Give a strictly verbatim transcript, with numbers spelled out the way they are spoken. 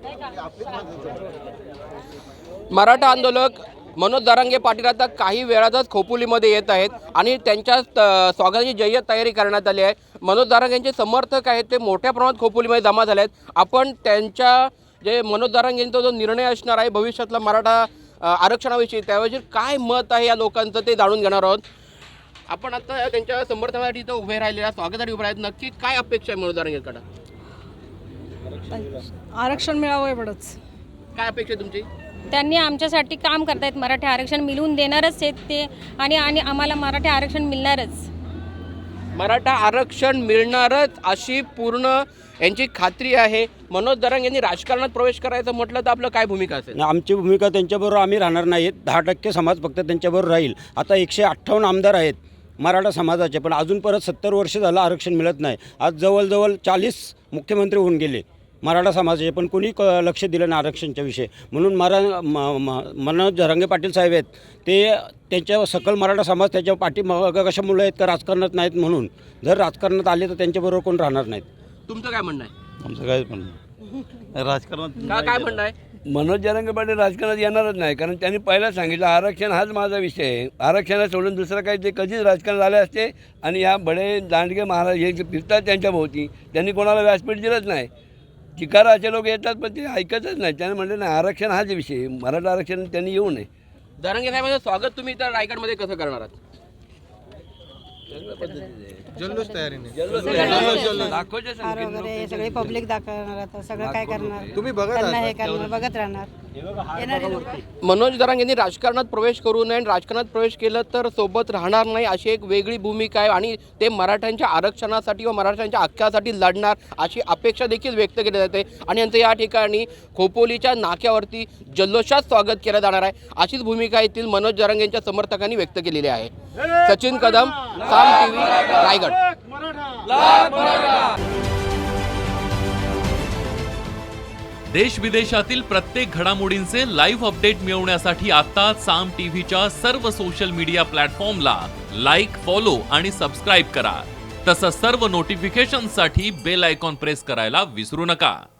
मराठा आंदोलक मनोज जरांगे पाटील आता काही वेळातच खोपोलीमध्ये येत आहेत आणि त्यांच्या स्वागताची जय्यत तयारी करण्यात आली आहे। मनोज जरांगेंचे समर्थक आहेत ते मोठ्या प्रमाणात खोपोलीमध्ये जमा झाले आहेत। आपण त्यांच्या जे मनोज जरांगेंचा जो निर्णय असणार आहे भविष्यातला मराठा आरक्षणाविषयी त्याविषयी काय मत आहे या लोकांचं ते जाणून घेणार आहोत। आपण आता त्यांच्या समर्थनासाठी इथं उभे राहिलेल्या स्वागतासाठी उभे आहेत, नक्की काय अपेक्षा आहे मनोज जरांगेंकडे? आरक्षण मिळावं एवढंच। काय अपेक्षा आहे तुमची? त्यांनी आमच्यासाठी काम करतायत, मराठी आरक्षण मिळवून देणारच आहेत ते आणि आणि आम्हाला मराठी आरक्षण मिळणारच। मराठा आरक्षण मिळणारच अशी पूर्ण यांची खात्री आहे। मनोज जरांगे यांनी राजकारणात प्रवेश करायचं म्हटलं तर आपलं काय भूमिका असेल? आमची भूमिका त्यांच्याबरोबर आम्ही राहणार नाहीत। दहा टक्के समाज फक्त त्यांच्याबरोबर राहील। आता एकशे अठ्ठावन्न आमदार आहेत मराठा समाजाचे, पण अजून परत सत्तर वर्ष झालं आरक्षण मिळत नाही। आज जवळजवळ चाळीस मुख्यमंत्री होऊन गेले मराठा समाजाचे, पण कोणी क लक्ष दिलं नाही आरक्षणच्या विषयी। म्हणून मरा मनोज जरांगे पाटील साहेब आहेत ते त्यांच्या सकल मराठा समाज त्याच्या पाठी कशामुळे आहेत का राजकारणात नाहीत, म्हणून जर राजकारणात आले तर त्यांच्याबरोबर कोण राहणार नाहीत। तुमचं काय म्हणणं आहे? आमचं काय म्हणणं राजकारणात का काय म्हणणं आहे? मनोज जरांगे पाटील राजकारणात येणारच नाही, कारण त्यांनी पहिला सांगितलं आरक्षण हाच माझा विषय आहे। आरक्षणाला सोडून दुसरं काही ते कधीच राजकारण झाले असते। आणि या बडे दांडगे महाराज हे जे फिरतात त्यांच्या भोवती त्यांनी कोणाला व्यासपीठ दिलंच नाही। चिकाराचे लोक येतात पण ते ऐकतच नाही। त्याने म्हणले नाही आरक्षण हाच विषय, मराठा आरक्षण त्यांनी येऊ नये। जरांगे साहेबांचं स्वागत तुम्ही तर रायगडमध्ये कसं करणार आहात? जल्लोष तयारीने वगैरे सगळे पब्लिक दाखवणार, आता सगळं काय करणार तुम्ही बघत त्यांना हे करणार, बघत राहणार येणारे लोक। मनोज जरांगे यांनी राजकारणात प्रवेश करू नये आणि राजकारणात प्रवेश केलं तर सोबत राहणार नाही अशी एक वेगळी भूमिका आहे आणि ते मराठ्यांच्या आरक्षणासाठी व मराठ्यांच्या हक्कासाठी लढणार अशी अपेक्षा देखील व्यक्त केली जाते आणि यांचं या ठिकाणी खोपोलीच्या नाक्यावरती जल्लोषात स्वागत केलं जाणार आहे अशीच भूमिका येथील मनोज जरांगे यांच्या समर्थकांनी व्यक्त केलेली आहे। सचिन कदम, साम टीव्ही, रायगड। देश विदेशातील प्रत्येक घडामोडींचे लाईव्ह अपडेट मिळवण्यासाठी आता साम टीव्हीच्या सर्व सोशल मीडिया प्लॅटफॉर्मला लाईक, फॉलो आणि सबस्क्राईब करा। तसंच सर्व नोटिफिकेशनसाठी बेल आयकॉन प्रेस करायला विसरू नका।